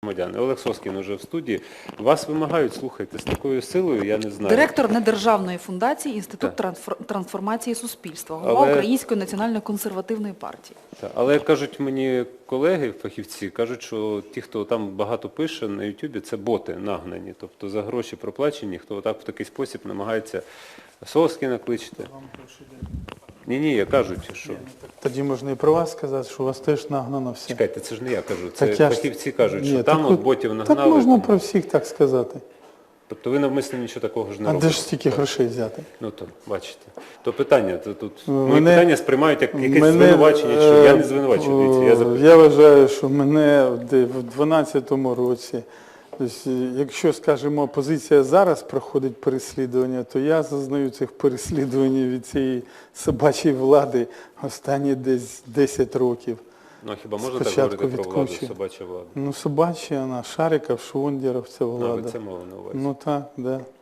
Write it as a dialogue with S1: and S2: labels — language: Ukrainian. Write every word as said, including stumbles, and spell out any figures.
S1: громадяни. Олег Соскін уже в студії. Вас вимагають, слухайте, з такою силою, я не знаю.
S2: Директор недержавної фундації Інститут
S1: Так.
S2: трансфор- трансформації суспільства, голова
S1: Але-
S2: Української національної консервативної партії.
S1: Так, але як кажуть мені колеги, фахівці, кажуть, що ті, хто там багато пише на Ютубі, це боти нагнані. Тобто за гроші проплачені, хто отак в такий спосіб намагається Соскіна кличте. Ні-ні, я кажуть, що...
S3: Тоді можна і про вас сказати, що у вас теж нагнано все.
S1: Чекайте, це ж не я кажу, це
S3: Так я ж-
S1: фахівці кажуть,
S3: Ні,
S1: що там
S3: так
S1: от
S3: от-
S1: ботів
S3: Так
S1: нагнали.
S3: можна
S1: там-
S3: про всіх так сказати.
S1: Тобто ви навмисно нічого такого ж не
S3: А
S1: робите?
S3: де ж стільки грошей взяти?
S1: Ну то, бачите. То питання, то тут мої
S3: Мене-
S1: питання сприймають як якесь
S3: Мене,
S1: звинувачення, що я не
S3: е,
S1: звинувачую, дивіться, я
S3: о,
S1: запитую.
S3: Я вважаю, що мене де в дванадцятому році, тобто, якщо, скажімо, опозиція зараз проходить переслідування, то я зазнаю цих переслідувань від цієї собачої влади останні десь десять років.
S1: Ну, а хіба можна так
S3: Спочатку
S1: говорити про владу,
S3: відкручую.
S1: собача влада?
S3: Ну, собача, вона, Шариков, Швондеров, це
S1: А, ви
S3: влада.
S1: це мова на увазі.
S3: Ну так, да.